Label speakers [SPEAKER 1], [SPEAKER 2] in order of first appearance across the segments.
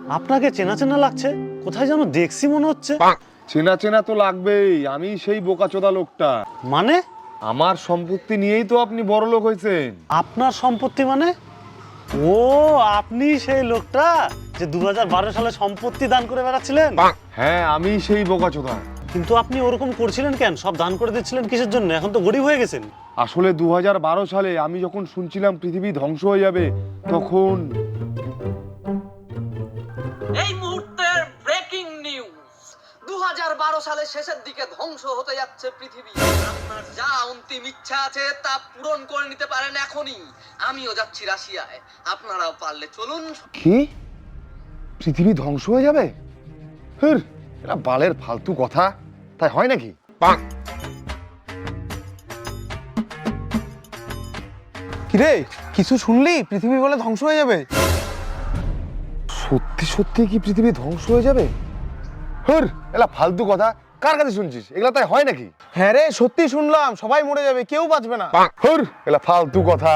[SPEAKER 1] আপনাকে চেনা চেনা লাগছে, কোথায় যেন দেখছি মনে হচ্ছে।
[SPEAKER 2] চেনা চেনা তো লাগবেই, আমি সেই বোকাচোদা লোকটা।
[SPEAKER 1] মানে?
[SPEAKER 2] আমার সম্পত্তি নিয়েই তো আপনি বড় লোক হয়েছেন।
[SPEAKER 1] আপনার সম্পত্তি মানে? ও, আপনি সেই লোকটা যে 2012 সালে সম্পত্তি দান করে বেড়াচ্ছিলেন?
[SPEAKER 2] হ্যাঁ, আমি সেই বোকাচোদা।
[SPEAKER 1] কিন্তু আপনি ওরকম করছিলেন কেন? সব দান করে দিচ্ছিলেন কিসের জন্য? এখন তো গরিব হয়ে গেছেন।
[SPEAKER 2] আসলে 2012 সালে আমি যখন শুনছিলাম পৃথিবী ধ্বংস হয়ে যাবে, তখন
[SPEAKER 3] এই মুহূর্তের ব্রেকিং নিউজ, 2012 সালের শেষের দিকে ধ্বংস হতে যাচ্ছে পৃথিবী। আপনার যা অন্তিম ইচ্ছা আছে তা পূরণ করে নিতে পারেন এখনই। আমিও যাচ্ছি রাশিয়ায়, আপনারাও পারলে চলুন।
[SPEAKER 2] কি পৃথিবী ধ্বংস হয়ে যাবে? হুর, এটা বালের ফালতু কথা, তাই হয় নাকি?
[SPEAKER 4] কিরে, কিছু শুনলি? পৃথিবী বলে ধ্বংস হয়ে যাবে?
[SPEAKER 2] সত্যি সত্যি কি পৃথিবী ধ্বংস হয়ে যাবে? হুর, এলা ফালতু কথা, কার কাছে শুনছিস? এগুলা তাই হয় নাকি?
[SPEAKER 4] হ্যাঁ রে, সত্যি শুনলাম, সবাই মরে যাবে, কেউ বাঁচবে না।
[SPEAKER 2] হুর, এলা ফালতু কথা।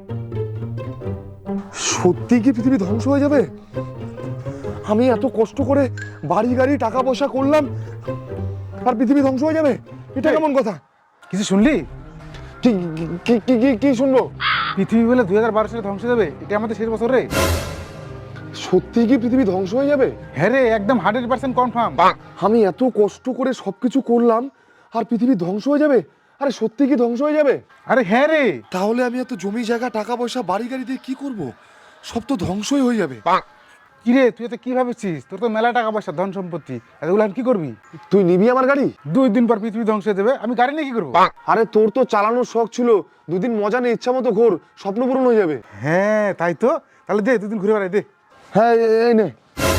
[SPEAKER 2] সত্যি কি পৃথিবী ধ্বংস হয়ে যাবে? আমি এত কষ্ট করে বাড়ি গাড়ি টাকা পয়সা করলাম, আর পৃথিবী ধ্বংস হয়ে যাবে? এটা কেমন কথা?
[SPEAKER 4] কিছু শুনলি?
[SPEAKER 2] কি কি কি কি কি শুনবো?
[SPEAKER 4] পৃথিবী বলে 2012 সালে ধ্বংস হয়ে যাবে, এটা আমাদের শেষ বছর রে।
[SPEAKER 2] সত্যি কি পৃথিবী ধ্বংস হয়ে যাবে?
[SPEAKER 4] হ্যাঁ রে, একদম 100% কনফার্ম।
[SPEAKER 2] আমি এত কষ্ট করে সবকিছু করলাম, আর পৃথিবী ধ্বংস হয়ে যাবে? আরে সত্যি কি ধ্বংস হয়ে যাবে?
[SPEAKER 4] আরে হ্যাঁ রে।
[SPEAKER 2] তাহলে আমি এত জমি জায়গা টাকা পয়সা বাড়ি গাড়ি দিয়ে কি করব? সব তো ধ্বংসই হয়ে যাবে।
[SPEAKER 4] কিরে, তুই তো কি ভাবছিস? তোর তো মেলা টাকা পয়সা, ধন সম্পত্তি, এগুলো আর কি করবি?
[SPEAKER 2] তুই নিবি আমার গাড়ি?
[SPEAKER 4] 2 দিন পর পৃথিবী ধ্বংস হয়ে যাবে, আমি গাড়ি নিয়ে কি করবো?
[SPEAKER 2] আরে তোর তো চালানোর শখ ছিল, দুদিন মজা নিয়ে ইচ্ছা মতো ঘোর, স্বপ্ন পূরণ হয়ে যাবে।
[SPEAKER 4] হ্যাঁ তাই তো, তাহলে দে 2 দিন ঘুরে বেড়াই দে।
[SPEAKER 2] হ্যাঁ, এই নে।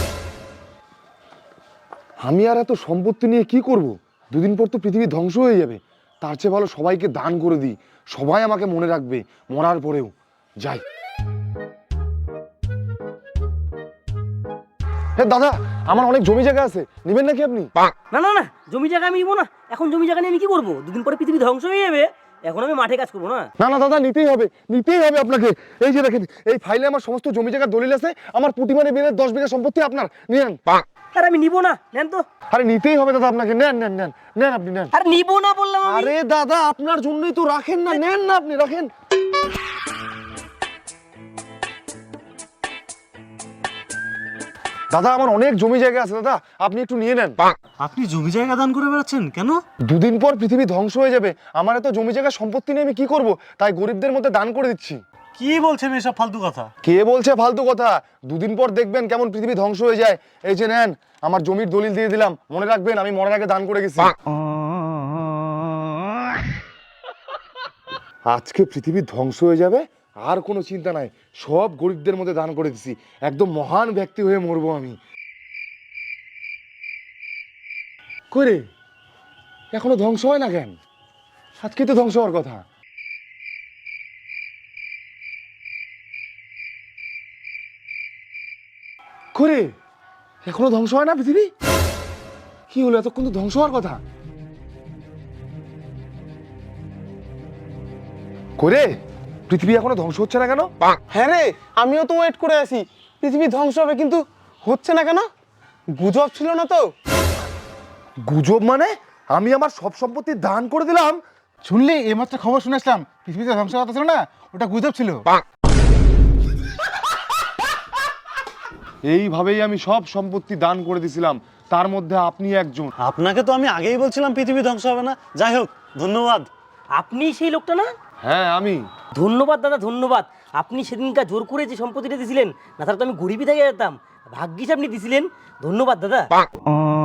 [SPEAKER 2] আমি আর এত সম্পত্তি নিয়ে কি করব? দুদিন পর তো পৃথিবী ধ্বংস হয়ে যাবে। তার চেয়ে ভালো সবাইকে দান করে দিই, সবাই আমাকে মনে রাখবে মরার পরেও। যাই। হ্যাঁ দাদা, আমার অনেক জমি জায়গা আছে, নেবেন নাকি আপনি?
[SPEAKER 5] না না না, জমি জায়গা আমি নিবো না। এখন জমি জায়গা নিয়ে আমি কি করবো? 2 দিন পরে পৃথিবী ধ্বংস হয়ে যাবে, এখন আমি মাঠে কাজ করবো না।
[SPEAKER 2] না না দাদা, নিতেই হবে, নিতেই হবে আপনাকে। এই যে দেখেন, এই ফাইলে আমার সমস্ত জমি জায়গার দলিল আছে, আমার প্রতিমানে বিলের 10 বিঘা সম্পত্তি আপনার, নেন।
[SPEAKER 5] আর আমি নিবো না, নেন তো।
[SPEAKER 2] আরে নিতেই হবে দাদা আপনাকে, নেন নেন নেন নেন, আপনি নেন।
[SPEAKER 5] আর নিবো না বললাম আমি।
[SPEAKER 2] আরে দাদা, আপনার জন্যই তো, রাখেন না, নেন না, আপনি রাখেন। দাদা আমার অনেক জমি জায়গা আছে দাদা, আপনি একটু নিয়ে নেন।
[SPEAKER 1] আপনি জমি জায়গা দান করে বেড়াচ্ছেন কেন?
[SPEAKER 2] দুদিন পর পৃথিবী ধ্বংস হয়ে যাবে, আমার এত জমি জায়গা সম্পত্তি নিয়ে আমি কি করব? তাই গরিবদের মধ্যে দান করে দিচ্ছি।
[SPEAKER 1] কি বলছেন এসব ফালতু কথা?
[SPEAKER 2] কে বলছে ফালতু কথা? দুদিন পর দেখবেন কেমন পৃথিবী ধ্বংস হয়ে যায়। এই যে নেন, আমার জমির দলিল দিয়ে দিলাম, মনে রাখবেন আমি মরার আগে দান করে গেছি। আজকে পৃথিবী ধ্বংস হয়ে যাবে, আর কোনো চিন্তা নাই, সব গরিবদের মধ্যে দান করে দিছি, একদম মহান ব্যক্তি হয়ে মরবো আমি। করে এখনো ধ্বংস হয় না কেন? আজকে তো ধ্বংস হওয়ার কথা। করে এখনো ধ্বংস হয় না পৃথিবী? কি হলো, এতক্ষণ তো ধ্বংস হওয়ার কথা। করে পৃথিবী এখনো ধ্বংস হচ্ছে না কেন?
[SPEAKER 4] হ্যাঁ রে, আমিও তো ওয়েট করে আছি, পৃথিবী ধ্বংস হবে কিন্তু হচ্ছে না কেন? গুজব ছিল না তো?
[SPEAKER 2] গুজব মানে? আমি আমার সব সম্পত্তি দান করে দিলাম।
[SPEAKER 4] শুনলি, এইমাত্র খবর শুনে আসলাম, পৃথিবীতে ধ্বংস কথা ছিল না, ওটা গুজব ছিল।
[SPEAKER 2] এইভাবেই আমি সব সম্পত্তি দান করে দিছিলাম, তার মধ্যে আপনি একজন।
[SPEAKER 1] আপনাকে তো আমি আগেই বলছিলাম পৃথিবী ধ্বংস হবে না। যাই হোক, ধন্যবাদ।
[SPEAKER 5] আপনি সেই লোকটা না?
[SPEAKER 2] হ্যাঁ আমি।
[SPEAKER 5] ধন্যবাদ দাদা, ধন্যবাদ। আপনি সেদিনকার জোর করে যে সম্পত্তিটা দিয়েছিলেন, না তাহলে তো আমি গরিবই থেকে যেতাম। ভাগ্যিস আপনি দিছিলেন, ধন্যবাদ দাদা।